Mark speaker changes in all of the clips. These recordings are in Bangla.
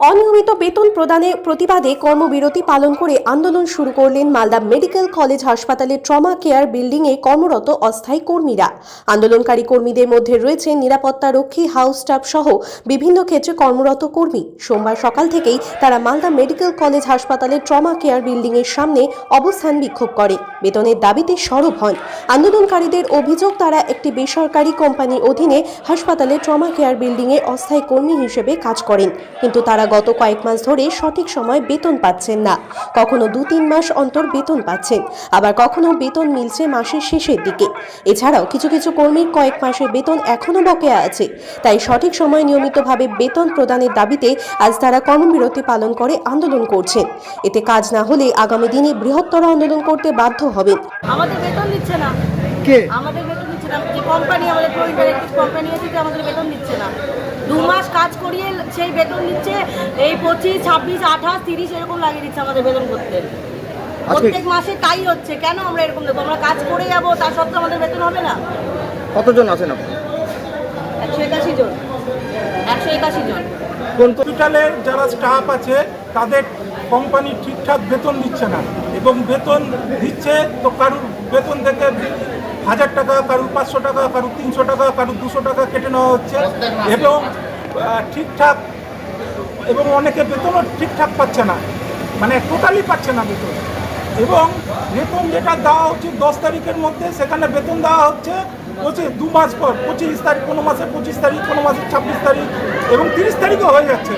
Speaker 1: অনিয়মিত বেতন প্রদানের প্রতিবাদে কর্মবিরতি পালন করে আন্দোলন শুরু করলেন মালদা মেডিকেল কলেজ হাসপাতালের ট্রমা কেয়ার বিল্ডিংয়ে কর্মরত অস্থায়ী কর্মীরা। আন্দোলনকারী কর্মীদের মধ্যে রয়েছে নিরাপত্তা রক্ষী, হাউস স্টাফ সহ বিভিন্ন ক্ষেত্রে কর্মরত কর্মী। সোমবার সকাল থেকেই তারা মালদা মেডিকেল কলেজ হাসপাতালের ট্রমা কেয়ার বিল্ডিংয়ের সামনে অবস্থান বিক্ষোভ করে বেতনের দাবিতে সরব হন। আন্দোলনকারীদের অভিযোগ, তারা একটি বেসরকারি কোম্পানির অধীনে হাসপাতালের ট্রমা কেয়ার বিল্ডিংয়ে অস্থায়ী কর্মী হিসেবে কাজ করেন, কিন্তু তারা গত কয়েক মাস ধরে সঠিক সময় বেতন পাচ্ছেন না। কখনো 2-3 মাস অন্তর বেতন পাচ্ছেন, আবার কখনো বেতন মিলছে মাসের শেষের দিকে। এছাড়াও কিছু কিছু কর্মীর কয়েক মাসের বেতন এখনো বকেয়া আছে। তাই সঠিক সময় নিয়মিতভাবে বেতন প্রদানের দাবিতে আজ তারা কর্মবিরতি পালন করে আন্দোলন করছেন। এতে কাজ না হলে আগামী দিনে বৃহত্তর আন্দোলন করতে বাধ্য হবেন।
Speaker 2: আমাদের বেতন দিচ্ছে না।
Speaker 3: কে?
Speaker 2: আমাদের বেতন দিচ্ছে না। যে কোম্পানি, আমাদের প্রো-ইন্টারেক্টিভ কোম্পানি আছে, যে আমাদের বেতন দিচ্ছে না। 2 মাস কাজ করিয়ে সেই বেতন দিচ্ছে এই 25, 26, 28, 30 এরকম লাগিয়ে দিচ্ছে আমাদের বেতন করতে। প্রত্যেক মাসে তাই হচ্ছে। কেন আমরা এরকম দেবো? আমরা কাজ করে যাবো, তার সত্ত্বেও আমাদের বেতন হবে না।
Speaker 3: কতজন আছেন আপনি?
Speaker 2: 181 জন। 181 জন।
Speaker 4: কোন হসপিটালে যারা স্টাফ আছে তাদের কোম্পানি ঠিকঠাক বেতন দিচ্ছে না, এবং বেতন দিচ্ছে তো কারুর বেতন থেকে 1000 টাকা, কারুর 500 টাকা, কারুর 300 টাকা, কারুর 200 টাকা কেটে নেওয়া হচ্ছে, এবং ঠিকঠাক, এবং অনেকে বেতনও ঠিকঠাক পাচ্ছে না, মানে টোটালি পাচ্ছে না বেতন। এবং বেতন যেটা দেওয়া উচিত 10 তারিখের মধ্যে, সেখানে বেতন দেওয়া হচ্ছে 2 মাস পর, 25 তারিখ, কোনো মাসে 25 তারিখ, কোনো মাসে 26 তারিখ, এবং 30 তারিখও হয়ে যাচ্ছে।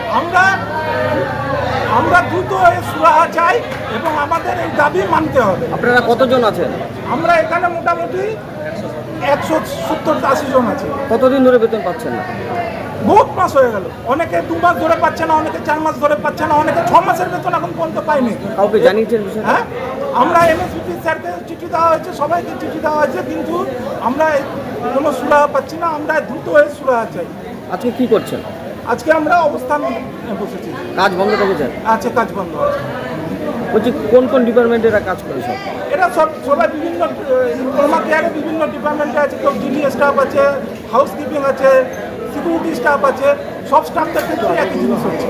Speaker 4: আমরা দ্রুত সুরাহা চাই এবং আমাদের এই দাবি মানতে হবে।
Speaker 3: আপনারা কতজন আছেন?
Speaker 4: আমরা এখানে মোটামুটি 170-80 জন আছে।
Speaker 3: কতদিন ধরে বেতন পাচ্ছেন না?
Speaker 4: বহুত মাস হয়ে গেল। অনেকে 2 মাস ধরে পাচ্ছে না, অনেকে 4 মাস ধরে পাচ্ছে না, অনেকে 6 মাসের বেতন এখন পর্যন্ত পায়নি।
Speaker 3: কাউকে জানিয়েছেন বিষয়টা?
Speaker 4: হ্যাঁ, আমরা এমএসপিপি স্যারকে চিঠি দেওয়া হয়েছে, সবাইকে চিঠি দেওয়া হয়েছে, কিন্তু আমরা কোনো সুরাহা পাচ্ছি না। আমরা দ্রুত সুরাহা চাই।
Speaker 3: আজকে কি করছেন?
Speaker 4: আজকে আমরা অবস্থান বসেছি।
Speaker 3: কাজ বন্ধ রেখেছেন?
Speaker 4: আছে, কাজ বন্ধ আছে।
Speaker 3: বলছি কোন কোন ডিপার্টমেন্টে এরা কাজ করে সব?
Speaker 4: এরা সবাই বিভিন্ন ট্রমা কেয়ারে বিভিন্ন ডিপার্টমেন্টে আছে। কেউ ডিডি স্টাফ আছে, হাউসকিপিং আছে, সিকিউরিটি স্টাফ আছে। সব স্টাফদের ক্ষেত্রে একই জিনিস হচ্ছে।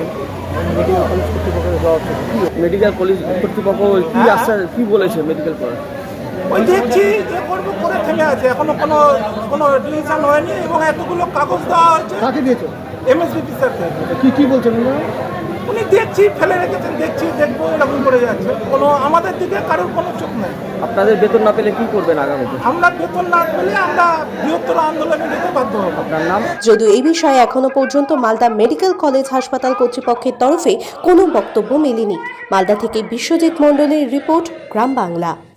Speaker 3: মেডিকেল কলেজ কর্তৃপক্ষ কি আশ্বাস, কি বলেছে মেডিকেল কলেজ?
Speaker 4: ওই দেখছি যে করবো করে থেমে আছে, এখনো কোনো ডিসিশন হয়নি, এবং এতগুলো কাগজ দেওয়া হয়েছে।
Speaker 3: কাকে দিয়েছে?
Speaker 4: এমএসপিপি স্যারকে।
Speaker 3: কি বলছেন
Speaker 4: উনি দেখছি, ফেলে রেখেছেন, দেখবো, এরকম করে যাচ্ছে। আমাদের দিকে কারোর কোনো চোখ নেই।
Speaker 3: আপনাদের বেতন না পেলে কি করবেন আগামীতে?
Speaker 4: আমরা বেতন না পেলে আমরা বৃহত্তর আন্দোলনে যেতে বাধ্য হব।
Speaker 3: আপনার নাম?
Speaker 1: যদিও এই বিষয়ে এখনো পর্যন্ত মালদা মেডিকেল কলেজ হাসপাতাল কর্তৃপক্ষের তরফে কোনো বক্তব্য মেলেনি। মালদা থেকে বিশ্বজিৎ মণ্ডলের রিপোর্ট, গ্রাম বাংলা।